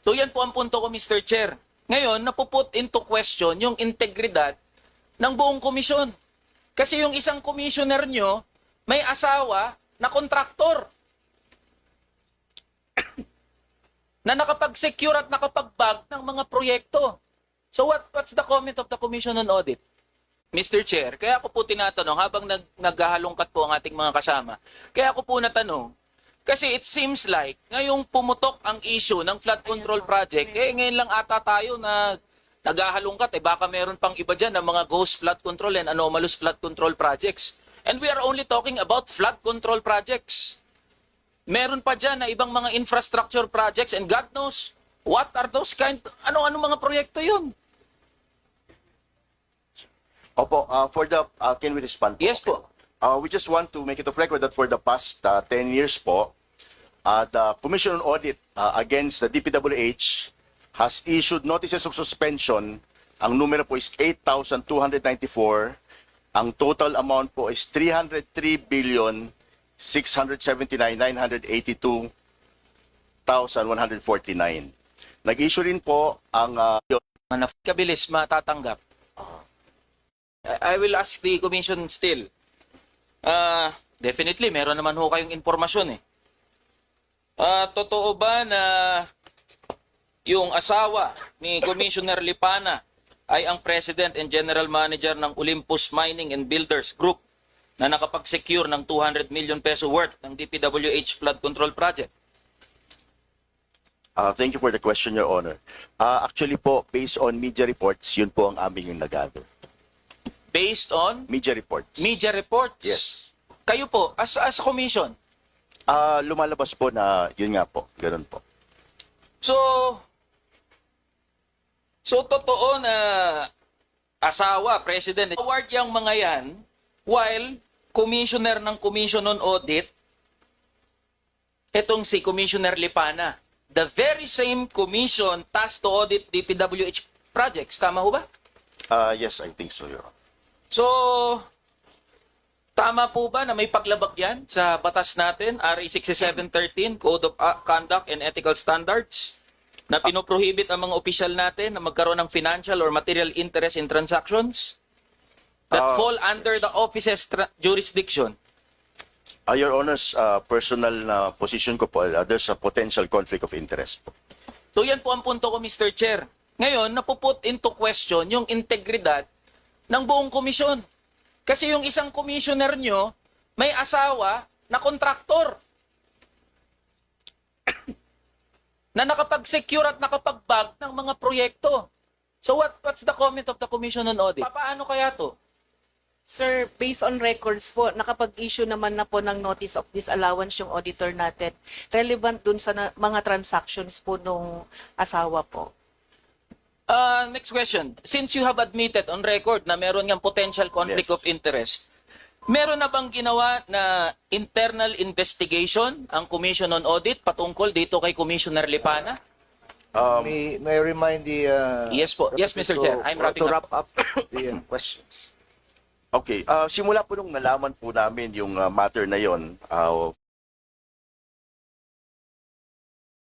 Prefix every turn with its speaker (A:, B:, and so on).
A: So yan po ang punto ko, Mr. Chair. Ngayon, napuput into question yung integridad ng buong komisyon. Kasi yung isang commissioner nyo, may asawa na kontraktor na nakapag-secure at nakapag-bag ng mga proyekto. So what's the comment of the Commission on Audit? Mr. Chair, kaya ako po tinatanong habang naghahalongkat po ang ating mga kasama. Kaya ako po natanong, kasi it seems like ngayong pumutok ang issue ng flood control project, ngayon lang ata tayo na naghahalongkat, baka meron pang iba dyan ng mga ghost flood control and anomalous flood control projects. And we are only talking about flood control projects. Meron pa dyan na ibang mga infrastructure projects and God knows what are those ano mga proyekto yun?
B: Opo, can we respond po?
A: Yes po.
B: We just want to make it of record that for the past 10 years po, the Commission on Audit against the DPWH has issued notices of suspension. Ang numero po is 8,294. Ang total amount po is 303,679,982,149. Nag-issue rin po ang
A: Kabilis matatanggap. I will ask the Commission still. Definitely, meron naman ho kayong informasyon eh. Totoo ba na yung asawa ni Commissioner Lipana ay ang President and General Manager ng Olympus Mining and Builders Group na nakapag-secure ng 200 million peso worth ng DPWH flood control project?
B: Thank you for the question, Your Honor. Actually po, based on media reports, yun po ang aming nag-gather.
A: Based on
B: Media reports.
A: media reports?
B: Yes.
A: Kayo po, as commission?
B: Lumalabas po na yun nga po, ganun po.
A: So totoo na asawa, president, award yung mga yan while commissioner ng Commission on Audit, etong si Commissioner Lipana, the very same commission tasked to audit DPWH projects. Tama ho ba?
B: Yes, I think so, Your Honor.
A: So, tama po ba na may paglabag yan sa batas natin, RA 6713, Code of Conduct and Ethical Standards, na pinoprohibit ang mga opisyal natin na magkaroon ng financial or material interest in transactions that fall under the office's jurisdiction?
B: Your Honor's personal position ko po, there's a potential conflict of interest po.
A: So yan po ang punto ko, Mr. Chair. Ngayon, napuput into question yung integridad ng buong komisyon. Kasi yung isang commissioner nyo, may asawa na kontraktor na nakapag-secure at nakapag-bag ng mga proyekto. So what's the comment of the Commission on Audit? Paano kaya to?
C: Sir, based on records po, nakapag-issue naman na po ng notice of disallowance yung auditor natin. Relevant dun sa mga transactions po nung asawa po.
A: Next question. Since you have admitted on record na meron ngang potential conflict
B: Yes.
A: of interest, meron na bang ginawa na internal investigation ang Commission on Audit patungkol dito kay Commissioner Lipana?
D: May I remind the
A: Yes po. Yes, Mr. Chair. I'm wrapping
D: to
A: up.
D: wrap up the questions.
B: Okay, simula po nung nalaman po namin yung matter na yon,